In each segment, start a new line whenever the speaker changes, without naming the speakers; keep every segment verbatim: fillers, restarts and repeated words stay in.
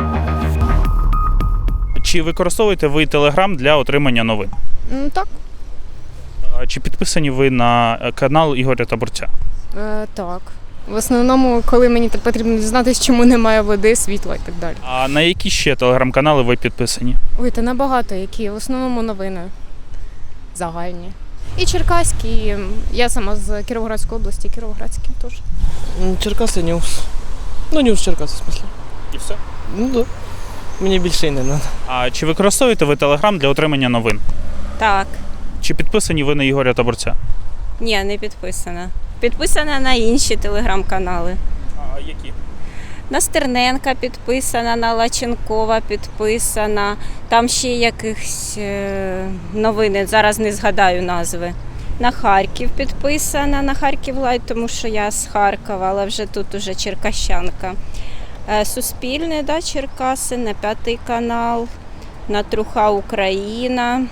Чи використовуєте ви Telegram для отримання новин?
Ну, так.
А Чи підписані ви на канал Ігоря Таборця?
Е, так. В основному, коли мені потрібно дізнатися, чому немає води, світла і так далі.
А на які ще телеграм-канали ви підписані?
Ой, та набагато які. В основному новини загальні. І черкаські. і Я сама з Кіровоградської області, Кіровоградські теж.
М, Черкаси Ньюс. Ну, Ньюс Черкаси, в смысле.
І все.
Ну так. Да. Мені більше і не треба.
А чи використовуєте ви Telegram для отримання новин?
Так.
Чи підписані ви на Ігоря Таборця?
Ні, не підписана. Підписана на інші телеграм-канали.
А які?
На Стерненка підписана, на Лаченкова підписана. Там ще якихось е, новини, зараз не згадаю назви. На Харків підписана, на Харків Лайт, тому що я з Харкова, але вже тут уже черкащанка. Е, Суспільне, да, Черкаси, на П'ятий канал, на Труха Україна,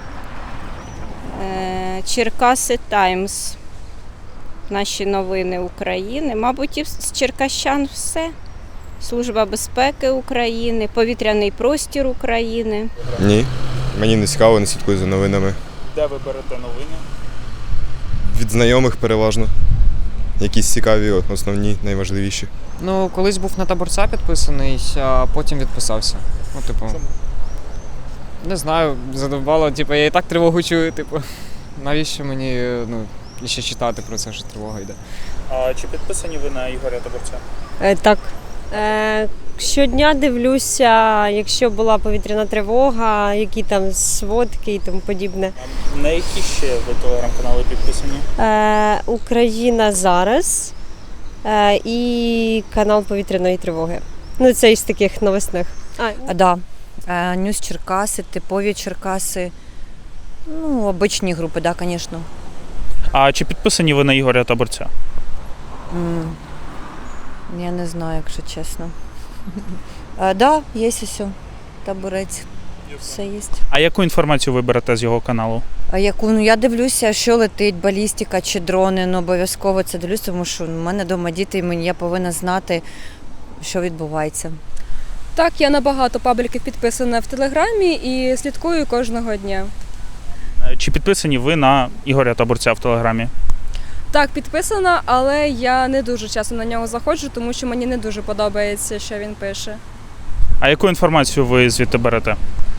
е, Черкаси Таймс. Наші новини України. Мабуть, і з черкащан все. Служба безпеки України, повітряний простір України.
Ні, мені не цікаво, не слідкую за новинами.
Де ви берете новини?
Від знайомих переважно. Якісь цікаві, основні, найважливіші.
Ну, колись був на Таборця підписаний, а потім відписався. Ну, типу.
Чому?
Не знаю, задовбало, типу, я і так тривогу чую, типу. Навіщо мені, ну, ще читати про це, що тривога йде.
А чи підписані ви на Ігоря Таборця?
Е, так. Е, щодня дивлюся, якщо була повітряна тривога, які там сводки і тому подібне.
А на які ще ви телеграм-канали підписані?
Е, Україна зараз е, і канал повітряної тривоги. Ну, це із таких новосних. А,
А, да. Е, Ньюс Черкаси, типові Черкаси. Ну, обичні групи, да, звісно.
А чи підписані ви на Ігоря Таборця?
М, Я не знаю, якщо чесно. Так, да, є усе. Таборець. Все є.
А яку інформацію ви берете з його каналу?
А яку, ну, я дивлюся, що летить, балістика чи дрони, ну, обов'язково це дивлюся, тому що в мене вдома діти, і мені я повинна знати, що відбувається.
Так, я на багато пабліків підписана в Телеграмі і слідкую кожного дня.
Чи підписані ви на Ігоря Таборця в Телеграмі?
Так, підписана, але я не дуже часто на нього заходжу, тому що мені не дуже подобається, що він пише.
А яку інформацію ви звідти берете?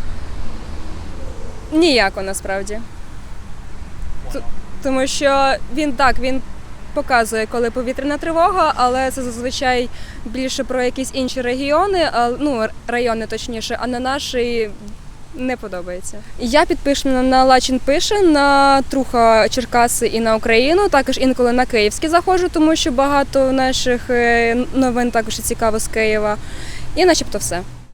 Ніяко, насправді. Т- Тому що він так, він показує, коли повітряна тривога, але це зазвичай більше про якісь інші регіони, а, ну, райони точніше, а на наші не подобається. Я підписана на Лачин пише, на Труха Черкаси і на Україну, також інколи на Київські заходжу, тому що багато наших е, новин також цікаво з Києва. І начебто все.